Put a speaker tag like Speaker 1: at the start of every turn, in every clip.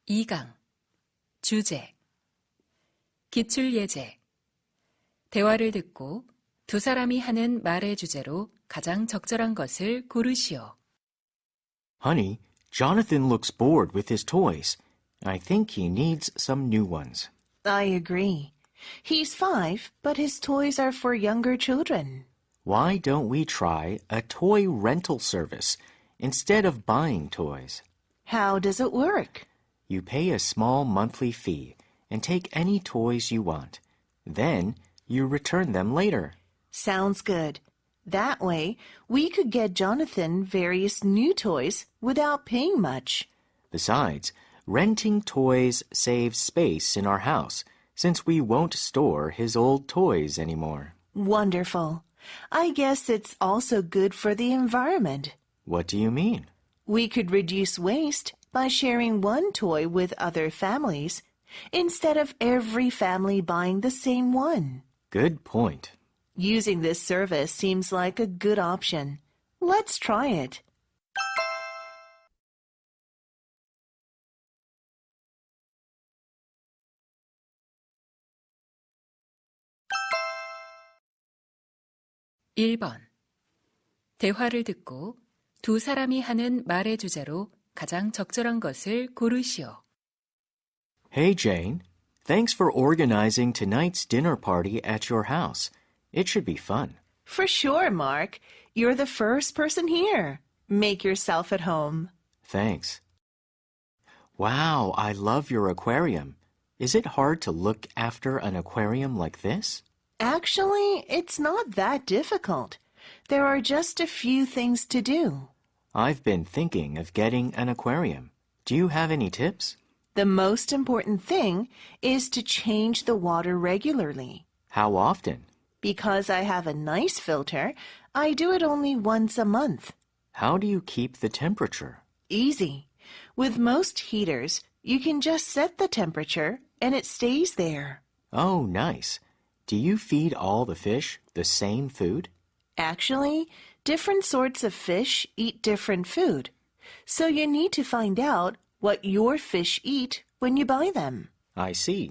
Speaker 1: 2강 주제 기출예제 대화를 듣고 두 사람이 하는 말의 주제로 가장 적절한 것을 고르시오.
Speaker 2: Honey, Jonathan looks bored with his toys. I think he needs some new ones.
Speaker 3: I agree. He's 5, but his toys are for younger children.
Speaker 2: Why don't we try a toy rental service instead of buying toys?
Speaker 3: How does it work?
Speaker 2: You pay a small monthly fee and take any toys you want. Then you return them later.
Speaker 3: Sounds good. That way, we could get Jonathan various new toys without paying much.
Speaker 2: Besides, renting toys saves space in our house since we won't store his old toys anymore.
Speaker 3: Wonderful. I guess it's also good for the environment.
Speaker 2: What do you mean?
Speaker 3: We could reduce waste by sharing one toy with other families instead of every family buying the same one.
Speaker 2: Good point.
Speaker 3: Using this service seems like a good option. Let's try it.
Speaker 1: (1번) 대화를 듣고 두 사람이 하는 말의 주제로 가장 적절한 것을 고르시오.
Speaker 2: Hey, Jane. Thanks for organizing tonight's dinner party at your house. It should be fun.
Speaker 3: For sure, Mark. You're the first person here. Make yourself at home.
Speaker 2: Thanks. Wow, I love your aquarium. Is it hard to look after an aquarium like this?
Speaker 3: Actually, it's not that difficult. There are just a few things to do.
Speaker 2: I've been thinking of getting an aquarium. Do you have any tips?
Speaker 3: The most important thing is to change the water regularly.
Speaker 2: How often?
Speaker 3: Because I have a nice filter, I do it only once a month.
Speaker 2: How do you keep the temperature?
Speaker 3: Easy. With most heaters, you can just set the temperature and it stays there.
Speaker 2: Oh, nice. Do you feed all the fish the same food?
Speaker 3: Actually, different sorts of fish eat different food. So you need to find out what your fish eat when you buy them.
Speaker 2: I see.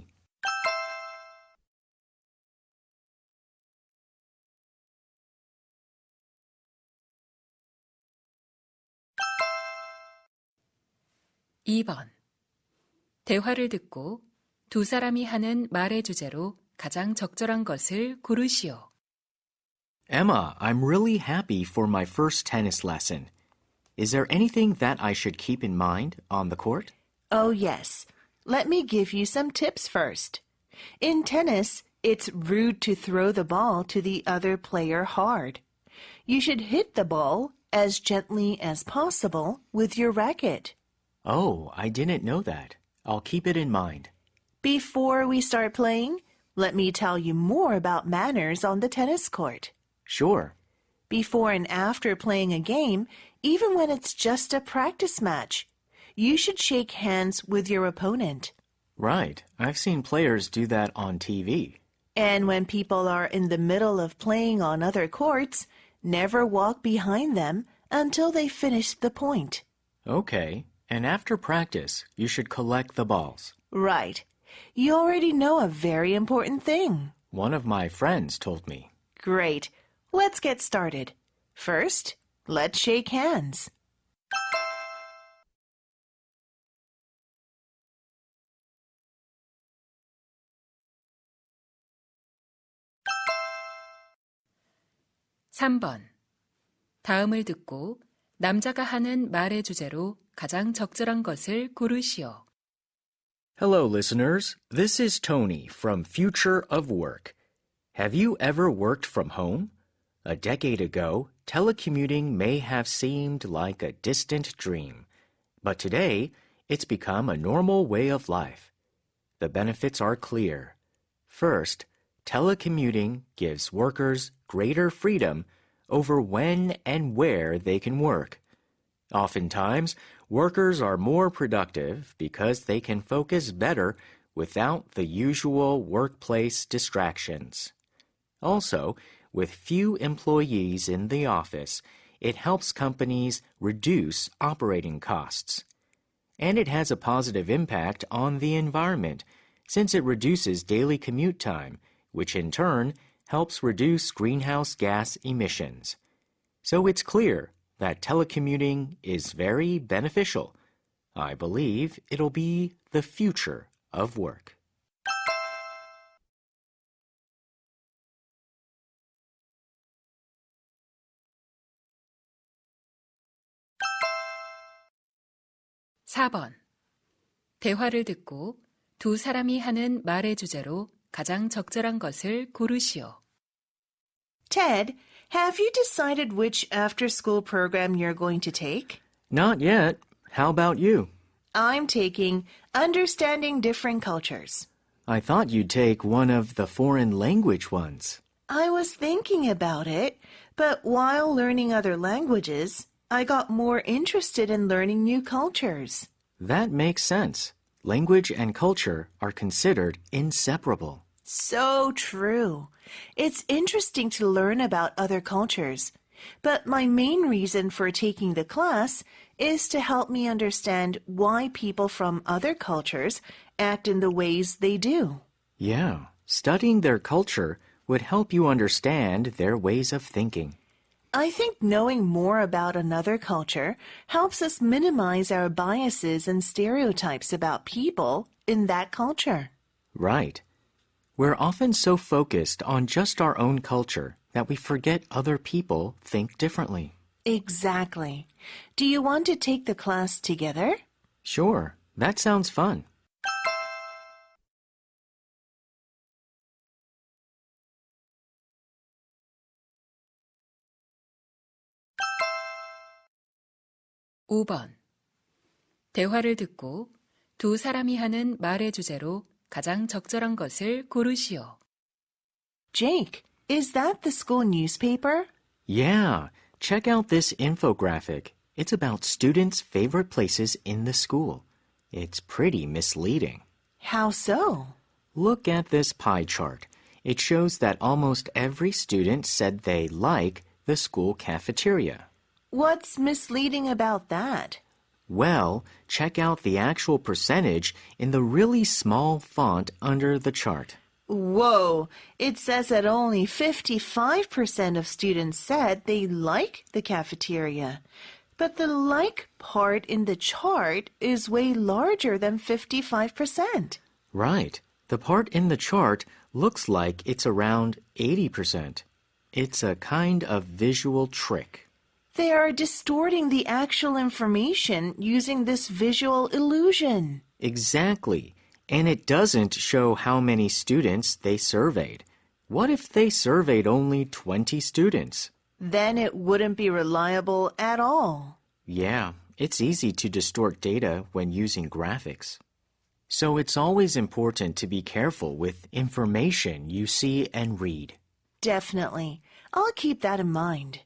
Speaker 1: (2번) 대화를 듣고 두 사람이 하는 말의 주제로 가장 적절한 것을 고르시오.
Speaker 2: Emma, I'm really happy for my first tennis lesson. Is there anything that I should keep in mind on the court?
Speaker 3: Oh, yes. Let me give you some tips first. In tennis, it's rude to throw the ball to the other player hard. You should hit the ball as gently as possible with your racket.
Speaker 2: Oh, I didn't know that. I'll keep it in mind.
Speaker 3: Before we start playing, let me tell you more about manners on the tennis court.
Speaker 2: Sure.
Speaker 3: Before and after playing a game, even when it's just a practice match, you should shake hands with your opponent.
Speaker 2: Right. I've seen players do that on TV.
Speaker 3: And when people are in the middle of playing on other courts, never walk behind them until they finish the point.
Speaker 2: Okay. And after practice, you should collect the balls.
Speaker 3: Right. You already know a very important thing.
Speaker 2: One of my friends told me.
Speaker 3: Great. Let's get started. First, let's shake hands.
Speaker 1: (3번) 다음을 듣고 남자가 하는 말의 주제로 가장 적절한 것을 고르시오.
Speaker 2: Hello, listeners. This is Tony from Future of Work. Have you ever worked from home? A decade ago, telecommuting may have seemed like a distant dream. But today, it's become a normal way of life. The benefits are clear. First, telecommuting gives workers greater freedom over when and where they can work. Oftentimes, workers are more productive because they can focus better without the usual workplace distractions. Also, with few employees in the office, it helps companies reduce operating costs. And it has a positive impact on the environment, since it reduces daily commute time, which in turn helps reduce greenhouse gas emissions. So it's clear that telecommuting is very beneficial. I believe it'll be the future of work.
Speaker 1: (4번) 대화를 듣고 두 사람이 하는 말의 주제로 가장 적절한 것을 고르시오.
Speaker 3: Ted, have you decided which after-school program you're going to take?
Speaker 2: Not yet. How about you?
Speaker 3: I'm taking Understanding Different Cultures.
Speaker 2: I thought you'd take one of the foreign language ones.
Speaker 3: I was thinking about it, but while learning other languages, I got more interested in learning new cultures.
Speaker 2: That makes sense. Language and culture are considered inseparable.
Speaker 3: So true. It's interesting to learn about other cultures, but my main reason for taking the class is to help me understand why people from other cultures act in the ways they do.
Speaker 2: Yeah, studying their culture would help you understand their ways of thinking.
Speaker 3: I think knowing more about another culture helps us minimize our biases and stereotypes about people in that culture.
Speaker 2: Right. We're often so focused on just our own culture that we forget other people think differently.
Speaker 3: Exactly. Do you want to take the class together?
Speaker 2: Sure, that sounds fun.
Speaker 1: (5번) 대화를 듣고 두 사람이 하는 말의 주제로 가장 적절한 것을 고르시오.
Speaker 3: Jake, is that the school newspaper?
Speaker 2: Yeah, check out this infographic. It's about students' favorite places in the school. It's pretty misleading.
Speaker 3: How so?
Speaker 2: Look at this pie chart. It shows that almost every student said they like the school cafeteria.
Speaker 3: What's misleading about that?
Speaker 2: Well, check out the actual percentage in the really small font under the chart.
Speaker 3: Whoa, it says that only 55% of students said they like the cafeteria. But the like part in the chart is way larger than 55%.
Speaker 2: Right. The part in the chart looks like it's around 80%. It's a kind of visual trick.
Speaker 3: They are distorting the actual information using this visual illusion.
Speaker 2: Exactly. And it doesn't show how many students they surveyed. What if they surveyed only 20 students?
Speaker 3: Then it wouldn't be reliable at all.
Speaker 2: Yeah, it's easy to distort data when using graphics. So it's always important to be careful with information you see and read.
Speaker 3: Definitely. I'll keep that in mind.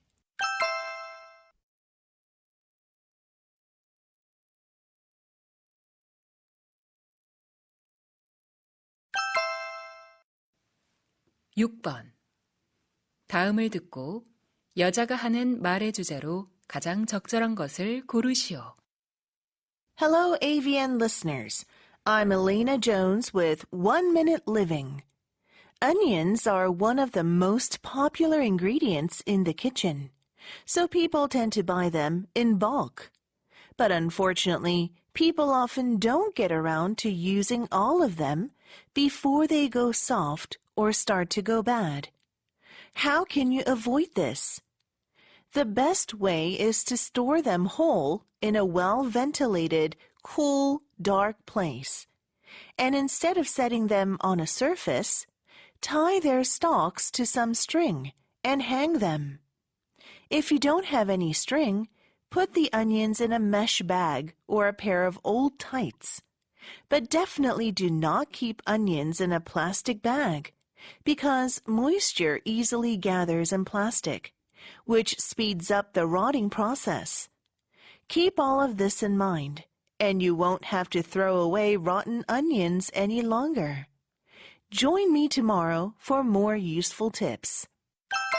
Speaker 1: (6번) 다음을 듣고 여자가 하는 말의 주제로 가장 적절한 것을 고르시오.
Speaker 3: Hello, AVN listeners. I'm Elena Jones with 1 Minute Living. Onions are one of the most popular ingredients in the kitchen, so people tend to buy them in bulk. But unfortunately, people often don't get around to using all of them before they go soft or start to go bad. How can you avoid this? The best way is to store them whole in a well-ventilated, cool, dark place. And instead of setting them on a surface, tie their stalks to some string and hang them. If you don't have any string, put the onions in a mesh bag or a pair of old tights. But definitely do not keep onions in a plastic bag, because moisture easily gathers in plastic, which speeds up the rotting process. Keep all of this in mind, and you won't have to throw away rotten onions any longer. Join me tomorrow for more useful tips.